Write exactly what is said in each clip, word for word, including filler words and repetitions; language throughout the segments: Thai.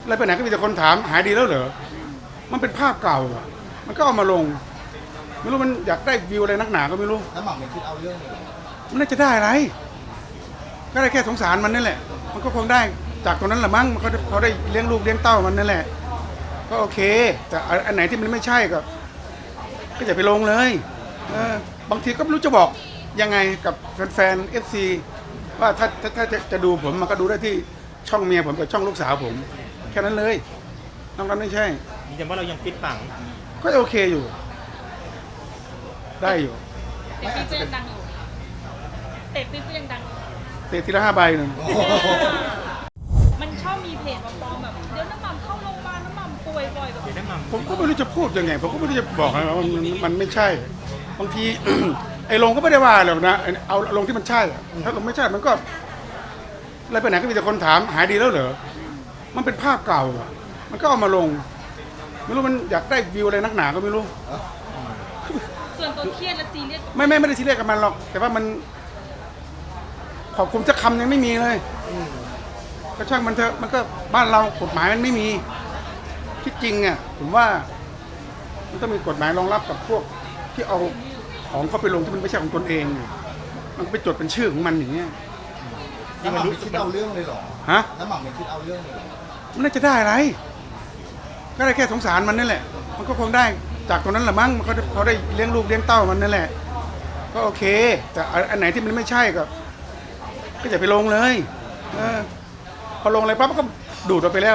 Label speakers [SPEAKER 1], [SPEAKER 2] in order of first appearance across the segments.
[SPEAKER 1] แล้วไปไหนก็มีแต่คนถามหายดีแล้วเหรอมันเป็นภาพเก่าอ่ะมันก็เอามาลงไม่รู้มันอยากได้วิวอะไรนักหนาก็ไม่รู้
[SPEAKER 2] แล้วหม่ำยังคิดเอาเรื่องเลยเหรอ
[SPEAKER 1] มันน่าจะได้อะไรก็ได้แค่สงสารมันนั่นแหละมันก็คงได้จากตรงนั้นแหละมั้งมันก็เขาได้เลี้ยงลูกเลี้ยงเต้ามันนั่นแหละก็โอเคแต่อันไหนที่มันไม่ใช่ก็ก็อย่าไปลงเลยเออบางทีก็ไม่รู้จะบอกยังไงกับแฟนๆ เอฟ ซี ว่าถ้าถ้าถ้าจะจะดูผมมันก็ดูได้ที่ช่องเมียผมกับช่องลูกสาวผมแค่นั้นเลยนอกนั้นไม่ใช่
[SPEAKER 3] ยืนยันว่าเรายังฟิตปัง
[SPEAKER 1] ก็โอเคอยู่ได้อยู่
[SPEAKER 4] เตะปี๊บก็ยังดังอยู่เตะปี๊บก็ยังดังอยู่
[SPEAKER 1] เตะทีละห้าใบหนึ่ง
[SPEAKER 4] มันชอบมีเพจมาปลอมแบบเดี๋ยวน้ำหม่ำเข้าโรงพยาบาลน้ำหม่ำป่วยบ่อยแบบ
[SPEAKER 3] น้ำมัน
[SPEAKER 1] ผมก็ไม่รู้จะพูดยังไงผมก็ไม่รู้จะบอกนะว่ามันมันไม่ใช่บางที ไอ้ลงก็ไม่ได้ว่าหรอกนะเอาลงที่มันใช่ถ้าลงไม่ใช่มันก็อะไรไปไหนก็มีแต่คนถามหายดีแล้วเหรอมันเป็นภาพเก่าอ่ะมันก็เอามาลงไม่รู้มันอยากได้วิวอะไรนักหนาก็ไม่รู้
[SPEAKER 4] ส่วนตัวเครียดและซีเรียส
[SPEAKER 1] ไม่ไม่ไม่ได้ซีเรียสกับมันหรอกแต่ว่ามันขอบคุณจะคำยังไม่มีเลยก็ช่างมันเถอะมันก็บ้านเรากฎหมายมันไม่มีที่จริงอ่ะผมว่ามันต้องมีกฎหมายรองรับกับพวกที่เอาของเขาไปลงที่มันไม่ใช่ของตนเองมันไปจดเป็นชื่อของมันอย่างเงี้ย
[SPEAKER 2] แล้วหม่ำไม่คิดเอาเรื่องเลยเหรอ
[SPEAKER 1] ฮะ
[SPEAKER 2] แล้วหม่ำไม่คิดเอาเรื่องเลยเหรอ
[SPEAKER 1] มันน่าจะได้อะไรก็ได้แค่สงสารมันนั่นแหละมันก็คงได้จากตรงนั้นแหละมั้งมันก็เขาได้เลี้ยงลูกเลี้ยงเต้ามันนั่นแหละก็โอเคแต่อันไหนที่มันไม่ใช่ก็ก็อย่าไปลงเลยเออพอลงอะไรปั๊บก็ดูดออกไปแล้ว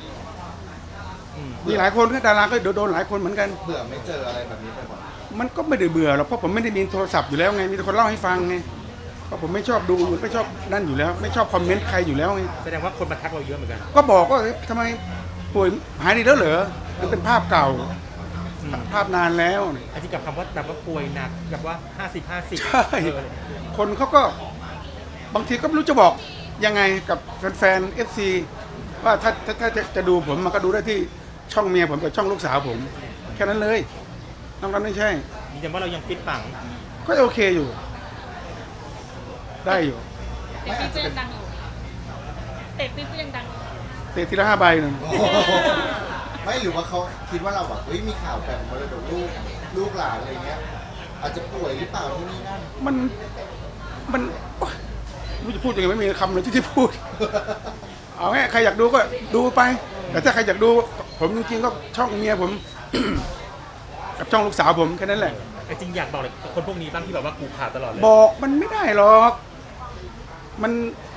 [SPEAKER 1] มีหลายคนก็ดาราก็โดนหลายคนเหมือนกัน
[SPEAKER 2] เบื่อไม่เจออะไรแบบนี้ไปบ่อย
[SPEAKER 1] มันก็ไม่ได้เบื่อหรอกเพราะผมไม่ได้มีโทรศัพท์อยู่แล้วไงมีแต่คนเล่าให้ฟังไงเพราะผมไม่ชอบดูไม่ชอบนั่นอยู่แล้วไม่ชอบคอมเมนต์ใครอยู่แล้วไง
[SPEAKER 3] แสดงว่าคนมาทักเราเยอะเหมือนกัน
[SPEAKER 1] ก็บอกว่าทำไมป่วยหายดีแล้วเหรอมันเป็นภาพเก่าภาพนานแล้ว
[SPEAKER 3] ไอ้ที่กับคำว่าแบบว่าป่วยหนักแบบว่าห้าสิบห้าสิบ
[SPEAKER 1] ใช่คนเขาก็บางทีก็ไม่รู้จะบอกยังไงกับแฟนๆ เอฟ ซี ว่าถ้าถ้าถ้าจะจะดูผมมันก็ดูได้ที่ช่องเมียผมกับช่องลูกสาวผมแค่นั้นเลยนอกนั้นไม่ใช่
[SPEAKER 3] ยืนยันว่าเรายังฟิตปัง
[SPEAKER 1] ก็โอเคอยู่ได้อยู่
[SPEAKER 4] เตะปี๊บก็ยังดังอยู่เตะปี๊บก็ยังดังอยู่
[SPEAKER 1] เตะทีละห้าใบหนึ่ง
[SPEAKER 2] ไม่หรือว่าเขาคิดว่าเราแบบเฮ้ยมีข่าวแบ่งมรดกลูกลูกหลานอะไรเงี้ยอาจจะป่วยหรือเปล่าที่นี่นั่น
[SPEAKER 1] มันมันไม่รู้จะพูดยังไงไม่มีคำเลยที่ที่พูดเอาไงใครอยากดูก็ดูไปแต่ถ้าใครอยากดูผมจริงๆก็ช่องเมียผม กับช่องลูกสาวผมแค่นั้นแหละ
[SPEAKER 3] แต่จริงอยากบอกเลยคนพวกนี้บ้างที่แบบว่ากูขาดตลอดเลย
[SPEAKER 1] บอกมันไม่ได้หรอกมัน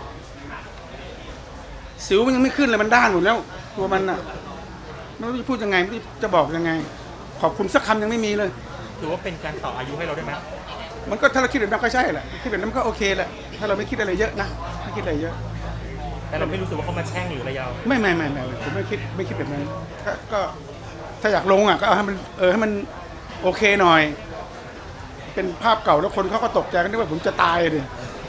[SPEAKER 1] สิวมันยังไม่ขึ้นเลยมันด้านหมดแล้วตัวมันอ่ะไม่รู้จะพูดยังไงไม่รู้จะบอกยังไงขอบคุณสักคำยังไม่มีเลย
[SPEAKER 3] ถือว่าเป็นการต่ออายุให้เราได้ไหม
[SPEAKER 1] มันก็ถ้าเราคิดแบบนั้นก็ใช่แหละคิดแบบนั้นก็โอเคแหละถ้าเราไม่คิดอะไรเยอะนะไม่คิดอะไรเยอะ
[SPEAKER 3] แต่เราไม่รู้สึกว่าเขามาแช่งหรืออะไรยาว
[SPEAKER 1] ไม่ไม่ไม่ไม่ผมไม่คิดไม่คิดแบบนั้นก็ถ้าอยากลงอ่ะก็เอาให้มันเออให้มันโอเคหน่อยเป็นภาพเก่าแล้วคนเขาก็ตกใจกันนึกว่าผมจะตายเลย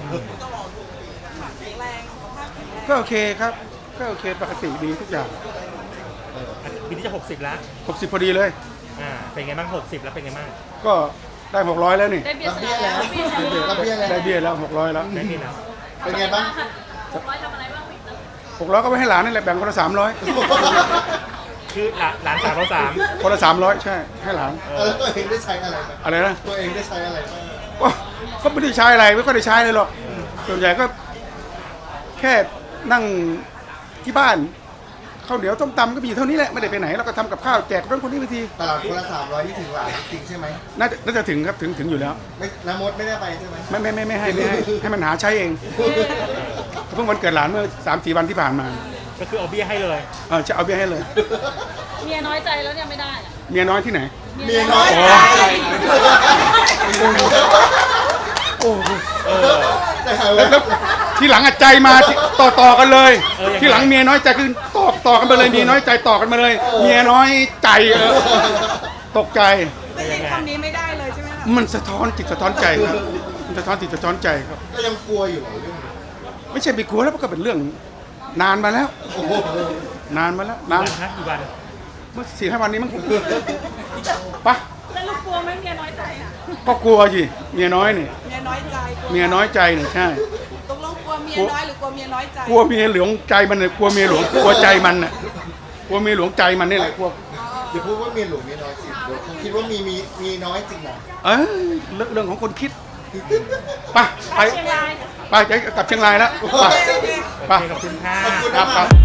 [SPEAKER 1] ก็โอเคครับก็โอเคปกติดีทุกอย่าง
[SPEAKER 3] ปีนี้จะหกสิบแล้ว
[SPEAKER 1] หกสิบพอดีเลย
[SPEAKER 3] อ่าเป็นไงบ้างหกสิบแล้วเป็นไงบ้าง
[SPEAKER 1] ก็ได้หกร้อยแล้วนี่
[SPEAKER 4] ได้เบี้ยแล้ว
[SPEAKER 1] ได้เบี้ยแล้วหกร้อยแล้ว
[SPEAKER 3] ได้เบี้ยแล้ว
[SPEAKER 2] เป็นไงบ้าง
[SPEAKER 4] หกร้อยทำอะไรบ้าง
[SPEAKER 1] หกร้อยก็ไปให้หลานนี่แหละแบ่งคนละสามร้อย
[SPEAKER 3] คือหลานสามเราสาม
[SPEAKER 1] คนละสามร้อยใช่ให้หลาน
[SPEAKER 2] แล้วตัวเองได้ใช้อะไร
[SPEAKER 1] อะไรนะ
[SPEAKER 2] ตัวเองได้ใช้อะไร
[SPEAKER 1] ก็ก็ไม่ได้ใช้อะไรไม่ค่อยได้ใช้เลยหรอกส่วนใหญ่ก็แค่นั่งที่บ้านข้าวเหนียวต้มตำก็มีเท่านี้แหละไม่ได้ไปไหนแล้วก็ทำกับข้าวแจกเพื่อนคนนี้บางที
[SPEAKER 2] ตลาดคนละสามร้อยที่ถึงหลานจริงใช่ไหม
[SPEAKER 1] น่าจะน่าจะถึงครับถึงถึงอยู่แล้ว
[SPEAKER 2] ไม่น้ำมดไม่ได้ไปใช่ไหม
[SPEAKER 1] ไม่ไม่ไม่ไม่ให้ไม่ให้ให้มันหาใช้เองเพิ่งวันเกิดหลานเมื่อสามสี่วันที่ผ่านมา
[SPEAKER 3] ก็คือเอาเบี้ยให้เลย
[SPEAKER 1] เออจะเอาเบี้ยให้เลย
[SPEAKER 4] เมียน้อยใจแล้วเนี่ยไม่ได้
[SPEAKER 1] เมียน้อยที่ไหน
[SPEAKER 2] เมียน้อย
[SPEAKER 1] โอ้โหแล้วทีหลังใจมาต่อต่อกันเลยทีหลังเมียน้อยใจคือต่อต่อกันไปเลยเมียน้อยใจต่อกันมาเลยเมียน้อยใจเออตกใจ
[SPEAKER 4] ได้ยินคำนี้ไม่ได้เลยใช่ไหมคะ
[SPEAKER 1] มันสะท้อนจิตสะท้อนใจครับมันสะท้อนจิตสะท้อนใจครับ
[SPEAKER 2] ก็ยังกลัวอยู่เรื่อง
[SPEAKER 1] ไม่ใช่ไปกลัวแล้วก็เป็นเรื่องนานมาแล้วนานมาแล้วนาน
[SPEAKER 3] กี่วัน
[SPEAKER 1] เมื่อสี่ห้าวันนี้มั้งปะ
[SPEAKER 4] แล้วลูกกลัวไหมเมียน้อยใจอ่ะ
[SPEAKER 1] ก็กลัวสิเมียน้อยนี่
[SPEAKER 4] เมียน้อยใจ
[SPEAKER 1] เมียน้อยใจนี่ใช่
[SPEAKER 4] ตกลงกลัวเมียน้อยหรือกลัวเมียน้อยใจ
[SPEAKER 1] กลัวเมียหลวงใจมันเลยกลัวเมียหลวงกลัวใจมันน่ะลัวเมียหลวงใจมันนี่แหละพวก
[SPEAKER 2] อย่าพูดว่าเมียหลวงเมียน้อยสิเดี๋ยวเขาคิดว่ามีมีมีน้อยจริงนะ
[SPEAKER 1] เอ้ยเรื่องเรื่องของคนคิดไปไป
[SPEAKER 4] เชียงราย
[SPEAKER 1] ไปจะกลับเชียงรายแล้วไปไป
[SPEAKER 3] ขอบคุณค่ะ
[SPEAKER 2] ขอบคุณ
[SPEAKER 1] ครั
[SPEAKER 2] นะ
[SPEAKER 1] บ
[SPEAKER 2] ค
[SPEAKER 1] ค
[SPEAKER 2] รั
[SPEAKER 1] รับ บ